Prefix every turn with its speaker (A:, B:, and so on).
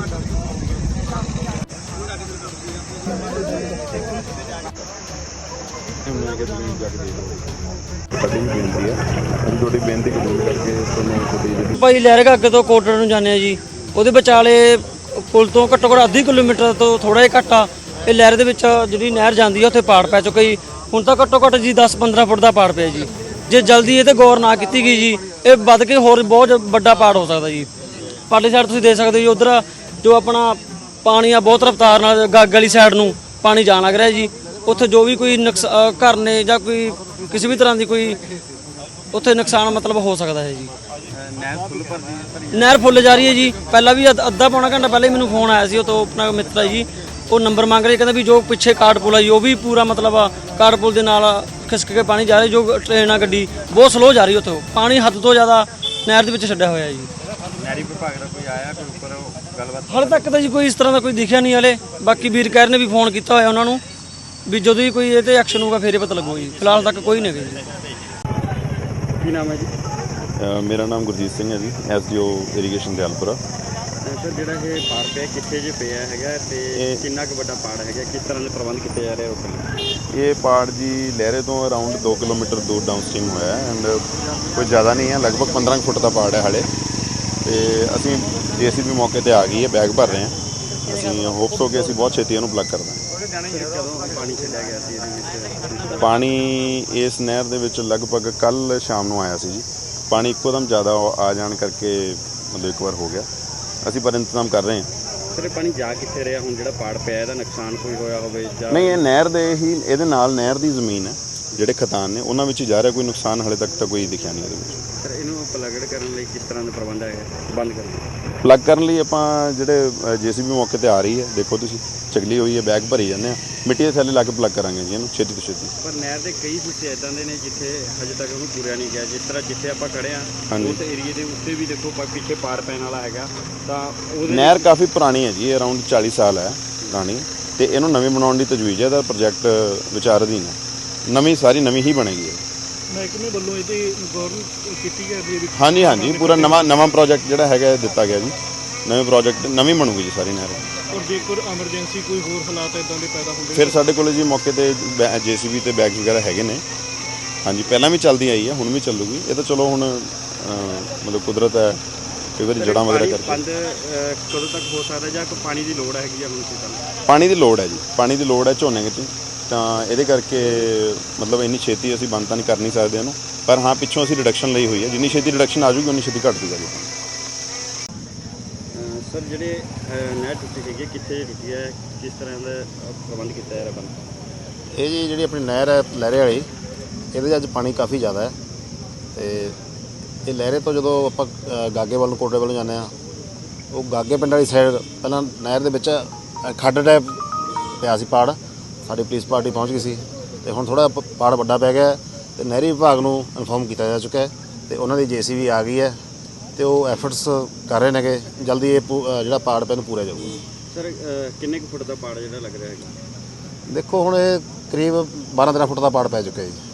A: ਭਾਈ ਲਹਿਰਗਾ ਅੱਗੇ ਤੋਂ ਕੋਟੜ ਨੂੰ ਜਾਂਦੇ ਆ ਜੀ, ਉਹਦੇ ਵਿਚਾਲੇ ਪੁਲ ਤੋਂ ਘੱਟੋ ਘੱਟ ਅੱਧੀ ਕਿਲੋਮੀਟਰ ਤੋਂ ਥੋੜਾ ਜਿਹਾ ਘੱਟ ਆ ਇਹ ਲਹਿਰ ਦੇ ਵਿੱਚ ਜਿਹੜੀ ਨਹਿਰ ਜਾਂਦੀ ਆ ਉੱਥੇ ਪਾੜ ਪੈ ਚੁੱਕਾ ਜੀ। ਹੁਣ ਤਾਂ ਘੱਟੋ ਘੱਟ ਜੀ 10-15 ਫੁੱਟ ਦਾ ਪਾੜ ਪਿਆ ਜੀ। ਜੇ ਜਲਦੀ ਇਹ ਤੇ ਗੌਰ ਨਾ ਕੀਤੀ ਗਈ ਜੀ ਇਹ ਵੱਧ ਕੇ ਹੋਰ ਬਹੁਤ ਵੱਡਾ ਪਾੜ ਹੋ ਸਕਦਾ ਜੀ। ਪਾਰਲੀ ਸਾਈਡ ਤੁਸੀਂ ਦੇਖ ਸਕਦੇ ਹੋ ਉਧਰ ਜੋ ਆਪਣਾ ਪਾਣੀ ਆ ਬਹੁਤ ਰਫ਼ਤਾਰ ਨਾਲ ਗੱਗ ਵਾਲੀ ਸਾਈਡ ਨੂੰ ਪਾਣੀ ਜਾਣ ਲੱਗ ਰਿਹਾ ਜੀ। ਉੱਥੇ ਜੋ ਵੀ ਕੋਈ ਘਰ ਨੇ ਜਾਂ ਕੋਈ ਕਿਸੇ ਵੀ ਤਰ੍ਹਾਂ ਦੀ ਕੋਈ ਉੱਥੇ ਨੁਕਸਾਨ ਮਤਲਬ ਹੋ ਸਕਦਾ ਹੈ ਜੀ। ਨਹਿਰ ਫੁੱਲ ਜਾ ਰਹੀ ਹੈ ਜੀ। ਪਹਿਲਾਂ ਵੀ ਅੱਧਾ ਪੌਣਾ ਘੰਟਾ ਪਹਿਲਾਂ ਹੀ ਮੈਨੂੰ ਫੋਨ ਆਇਆ ਸੀ ਉਹ ਤੋਂ ਆਪਣਾ ਮਿੱਤਰ ਜੀ, ਉਹ ਨੰਬਰ ਮੰਗ ਰਿਹਾ, ਕਹਿੰਦਾ ਵੀ ਜੋ ਪਿੱਛੇ ਕਾਰਡ ਪੁਲ ਆ ਜੀ ਉਹ ਵੀ ਪੂਰਾ ਮਤਲਬ ਕਾਰਡ ਪੁਲ ਦੇ ਨਾਲ ਖਿਸਕ ਕੇ ਪਾਣੀ ਜਾ ਰਿਹਾ। ਜੋ ਟ੍ਰੇਨ ਆ ਗੱਡੀ ਬਹੁਤ ਸਲੋ ਜਾ ਰਹੀ ਉੱਥੋਂ, ਪਾਣੀ ਹੱਦ ਤੋਂ ਜ਼ਿਆਦਾ ਨਹਿਰ ਦੇ ਵਿੱਚ ਛੱਡਿਆ ਹੋਇਆ ਜੀ।
B: ਨਹਿਰੀ ਵਿਭਾਗ ਦਾ ਕੋਈ ਆਇਆ ਕੋਈ ਉੱਪਰ ਗੱਲਬਾਤ?
A: ਹਾਲੇ ਤੱਕ ਤਾਂ ਜੀ ਕੋਈ ਇਸ ਤਰ੍ਹਾਂ ਦਾ ਕੋਈ ਦਿਖਿਆ ਨਹੀਂ ਹਲੇ। ਬਾਕੀ ਵੀਰ ਕਹਿਰ ਨੇ ਵੀ ਫੋਨ ਕੀਤਾ ਹੋਇਆ ਉਹਨਾਂ ਨੂੰ ਵੀ ਜਦੋਂ ਹੀ ਕੋਈ ਇਹ ਤੇ ਐਕਸ਼ਨ ਹੋਊਗਾ ਫੇਰ ਹੀ ਪਤਾ ਲੱਗੂਗਾ ਜੀ। ਫਿਲਹਾਲ ਤੱਕ ਕੋਈ ਨਹੀਂ ਹੈਗਾ ਜੀ।
B: ਕੀ ਨਾਮ ਹੈ ਜੀ?
C: ਮੇਰਾ ਨਾਮ ਗੁਰਜੀਤ ਸਿੰਘ ਹੈ ਜੀ, SDO ਇਰੀਗੇਸ਼ਨ ਦਿਆਲਪੁਰਾ।
B: ਸਰ ਜਿਹੜਾ ਇਹ ਪਾੜ ਪਿਆ ਕਿੱਥੇ ਜੇ ਪਿਆ ਹੈਗਾ ਤੇ ਕਿੰਨਾ ਕੁ ਵੱਡਾ ਪਾੜ ਹੈਗਾ, ਕਿਸ ਤਰ੍ਹਾਂ ਦੇ ਪ੍ਰਬੰਧ ਕੀਤੇ ਜਾ ਰਹੇ ਰੋਕਣ ਲਈ?
C: ਇਹ ਪਾੜ ਜੀ ਲਹਿਰੇ ਤੋਂ ਅਰਾਊਂਡ 2 ਕਿਲੋਮੀਟਰ ਦੂਰ ਡਾਊਨ ਸਟ੍ਰੀਮ ਹੋਇਆ ਐਂਡ ਕੋਈ ਜ਼ਿਆਦਾ ਨਹੀਂ ਹੈ, ਲਗਭਗ 15 ਫੁੱਟ ਦਾ ਪਾੜ ਹੈ ਹਾਲੇ। ਤੇ ਅਸੀਂ JCB ਮੌਕੇ ਤੇ ਆ ਗਈ ਹੈ, ਬੈਗ ਭਰ ਰਹੇ ਹਾਂ। ਅਸੀਂ ਹੋਪਸ ਹੋ ਕੇ ਅਸੀਂ ਬਹੁਤ ਛੇਤੀ ਇਹਨੂੰ ਪਲੱਗ ਕਰ ਦਾਂਗੇ।
B: ਕਦੋਂ ਪਾਣੀ ਛੱਡਿਆ ਗਿਆ ਸੀ ਇਹਦੇ ਵਿੱਚ?
C: ਪਾਣੀ ਇਸ ਨਹਿਰ ਦੇ ਵਿੱਚ ਲਗਭਗ ਕੱਲ ਸ਼ਾਮ ਨੂੰ ਆਇਆ ਸੀ ਜੀ। ਪਾਣੀ ਇੱਕੋ ਦਮ ਜ਼ਿਆਦਾ ਆ ਜਾਣ ਕਰਕੇ ਮਤਲਬ ਇੱਕ ਵਾਰ ਹੋ ਗਿਆ। ਅਸੀਂ ਪਰ ਇੰਤਜ਼ਾਮ ਕਰ ਰਹੇ ਹਾਂ।
B: ਸਰ ਇਹ ਪਾਣੀ ਜਾ ਕਿੱਥੇ ਰਿਹਾ ਹੁਣ ਜਿਹੜਾ ਪਾੜ ਪਿਆ ਇਹਦਾ ਨੁਕਸਾਨ ਕੋਈ ਹੋਇਆ ਹੋਵੇ ਜਾਂ
C: ਨਹੀਂ? ਇਹ ਨਹਿਰ ਦੇ ਹੀ ਇਹਦੇ ਨਾਲ ਨਹਿਰ ਦੀ ਜ਼ਮੀਨ ਹੈ, ਜਿਹੜੇ ਖਤਾਨ ਨੇ ਉਹਨਾਂ ਵਿੱਚ ਹੀ ਜਾ ਰਿਹਾ। ਕੋਈ ਨੁਕਸਾਨ ਹਾਲੇ ਤੱਕ ਤਾਂ ਕੋਈ ਦਿਖਿਆ ਨਹੀਂ ਇਹਦੇ ਵਿੱਚ।
B: ਸਰ ਇਹਨੂੰ ਪਲੱਗਡ ਕਰਨ ਲਈ ਕਿਸ ਤਰ੍ਹਾਂ ਦਾ ਪ੍ਰਬੰਧ ਹੈ ਬੰਦ ਕਰਨ?
C: ਪਲੱਗ ਕਰਨ ਲਈ ਆਪਾਂ ਜਿਹੜੇ JCB ਮੌਕੇ ਤੇ ਆ ਰਹੀ ਹੈ, ਦੇਖੋ ਤੁਸੀਂ ਚਗਲੀ ਹੋਈ ਹੈ, ਬੈਗ ਭਰੀ ਜਾਂਦੇ ਆ, ਮਿੱਟੀ ਦੇ ਥੱਲੇ ਲਾ ਕੇ ਪਲੱਗ ਕਰਾਂਗੇ ਜੀ ਇਹਨੂੰ ਛੇਤੀ ਤੋਂ ਛੇਤੀ।
B: ਪਰ ਨਹਿਰ ਦੇ ਕਈ ਹਿੱਸੇ ਇਦਾਂ ਦੇ ਨੇ ਜਿੱਥੇ ਹਜੇ ਤੱਕ ਉਹਨੂੰ ਪੂਰਿਆ ਨਹੀਂ ਗਿਆ। ਜਿਸ ਤਰ੍ਹਾਂ ਜਿੱਥੇ ਆਪਾਂ ਖੜੇ ਹਾਂ ਉਸ ਏਰੀਏ ਦੇ ਉੱਤੇ ਵੀ ਦੇਖੋ ਪਿੱਛੇ ਪਾੜ ਪੈਣ ਵਾਲਾ ਹੈਗਾ। ਤਾਂ ਉਹਦੇ
C: ਨਹਿਰ ਕਾਫੀ ਪੁਰਾਣੀ ਹੈ ਜੀ, ਅਰਾਊਂਡ 40 ਸਾਲ ਹੈ ਪੁਰਾਣੀ, ਤੇ ਇਹਨੂੰ ਨਵੀਂ ਬਣਾਉਣ ਦੀ ਤਜਵੀਜ਼ ਹੈ। ਇਹਦਾ ਪ੍ਰੋਜੈਕਟ ਵਿਚਾਰ ਅਧੀਨ ਹੈ, ਨਵੀਂ ਸਾਰੀ ਨਵੀਂ ਹੀ ਬਣੇਗੀ।
B: ਮਹਿਕਮੇ ਵੱਲੋਂ ਇਹ ਤੇ ਗੌਰ ਕੀਤੀ ਗਈ ਹੈ?
C: ਹਾਂਜੀ ਪੂਰਾ ਨਵਾਂ ਪ੍ਰੋਜੈਕਟ ਜਿਹੜਾ ਹੈਗਾ ਦਿੱਤਾ ਗਿਆ ਜੀ। ਨਵੇਂ ਪ੍ਰੋਜੈਕਟ ਨਵੀਂ ਬਣੂਗੀ ਜੀ ਸਾਰੀ ਨਹਿਰ।
B: ਔਰ ਜੇਕਰ ਐਮਰਜੈਂਸੀ ਕੋਈ ਹੋਰ ਹਾਲਾਤ ਇਦਾਂ ਦੇ ਪੈਦਾ ਹੁੰਦੇ
C: ਫਿਰ ਸਾਡੇ ਕੋਲ ਜੀ ਮੌਕੇ ਤੇ JCB ਤੇ ਬੈਗ ਵਗੈਰਾ ਹੈਗੇ ਨੇ। ਹਾਂਜੀ ਪਹਿਲਾਂ ਵੀ ਚੱਲਦੀ ਆਈ ਹੈ, ਹੁਣ ਵੀ ਚੱਲੂਗੀ। ਇਹ ਤਾਂ ਚਲੋ ਹੁਣ ਮਤਲਬ ਕੁਦਰਤ ਹੈ, ਕਈ ਵਾਰੀ ਜੜ੍ਹਾਂ ਵਗੈਰਾ ਕਰਕੇ।
B: ਬੰਦ ਕਦੋਂ ਤੱਕ ਹੋ ਸਕਦਾ ਜਾਂ ਕੋਈ ਪਾਣੀ ਦੀ ਲੋੜ ਹੈਗੀ ਆ ਹੁਣ?
C: ਪਾਣੀ ਦੀ ਲੋੜ ਹੈ ਜੀ, ਪਾਣੀ ਦੀ ਲੋੜ ਹੈ ਝੋਨੇ ਵਿੱਚ, ਤਾਂ ਇਹਦੇ ਕਰਕੇ ਮਤਲਬ ਇੰਨੀ ਛੇਤੀ ਅਸੀਂ ਬੰਦ ਤਾਂ ਨਹੀਂ ਕਰ ਨਹੀਂ ਸਕਦੇ ਇਹਨੂੰ, ਪਰ ਹਾਂ ਪਿੱਛੋਂ ਅਸੀਂ ਰਿਡਕਸ਼ਨ ਲਈ ਹੋਈ ਹੈ। ਜਿੰਨੀ ਛੇਤੀ ਰਿਡਕਸ਼ਨ ਆ ਜੂਗੀ ਉਨੀ ਛੇਤੀ ਘੱਟ ਜੂਗਾ ਜੀ।
B: ਸਰ ਜਿਹੜੇ ਨਹਿਰ ਟੁੱਟੀ ਹੈਗੀ ਕਿੱਥੇ ਟੁੱਟੀ ਹੈ, ਕਿਸ ਤਰ੍ਹਾਂ ਦਾ ਪ੍ਰਬੰਧ ਕੀਤਾ ਜਾ ਰਿਹਾ ਬੰਦ?
D: ਇਹ ਜੀ ਜਿਹੜੀ ਆਪਣੀ ਨਹਿਰ ਹੈ ਲਹਿਰੇ ਵਾਲੀ, ਇਹਦੇ 'ਚ ਅੱਜ ਪਾਣੀ ਕਾਫੀ ਜ਼ਿਆਦਾ ਹੈ। ਤੇ ਇਹ ਲਹਿਰੇ ਤੋਂ ਜਦੋਂ ਆਪਾਂ ਗਾਗੇ ਵੱਲ ਨੂੰ ਕੋਟੇ ਵੱਲ ਨੂੰ ਜਾਂਦੇ ਹਾਂ, ਉਹ ਗਾਗੇ ਪਿੰਡ ਵਾਲੀ ਸਾਈਡ ਪਹਿਲਾਂ ਨਹਿਰ ਦੇ ਵਿੱਚ ਖੱਡ ਟਾਈਪ ਪਿਆ ਸੀ ਪਾੜ। ਸਾਡੀ ਪੁਲਿਸ ਪਾਰਟੀ ਪਹੁੰਚ ਗਈ ਸੀ ਤੇ ਹੁਣ ਥੋੜ੍ਹਾ ਪਾੜ ਵੱਡਾ ਪੈ ਗਿਆ ਤੇ ਨਹਿਰੀ ਵਿਭਾਗ ਨੂੰ ਇਨਫੋਰਮ ਕੀਤਾ ਜਾ ਚੁੱਕਾ ਹੈ ਤੇ ਉਹਨਾਂ ਦੀ JCB ਆ ਗਈ ਹੈ ਤੇ ਉਹ ਐਫਰਟਸ ਕਰ ਰਹੇ ਨੇ ਕਿ ਜਲਦੀ ਇਹ ਜਿਹੜਾ ਪਾੜ ਪਿਆ ਨੂੰ ਪੂਰਾ ਜਾਊਗਾ।
B: ਸਰ ਕਿੰਨੇ ਕੁ ਫੁੱਟ ਦਾ ਪਾੜ ਜਿਹੜਾ ਲੱਗ ਰਿਹਾ ਹੈਗਾ?
D: ਦੇਖੋ ਹੁਣ ਇਹ ਕਰੀਬ 12-13 ਫੁੱਟ ਦਾ ਪਾੜ ਪੈ ਚੁੱਕਾ ਜੀ।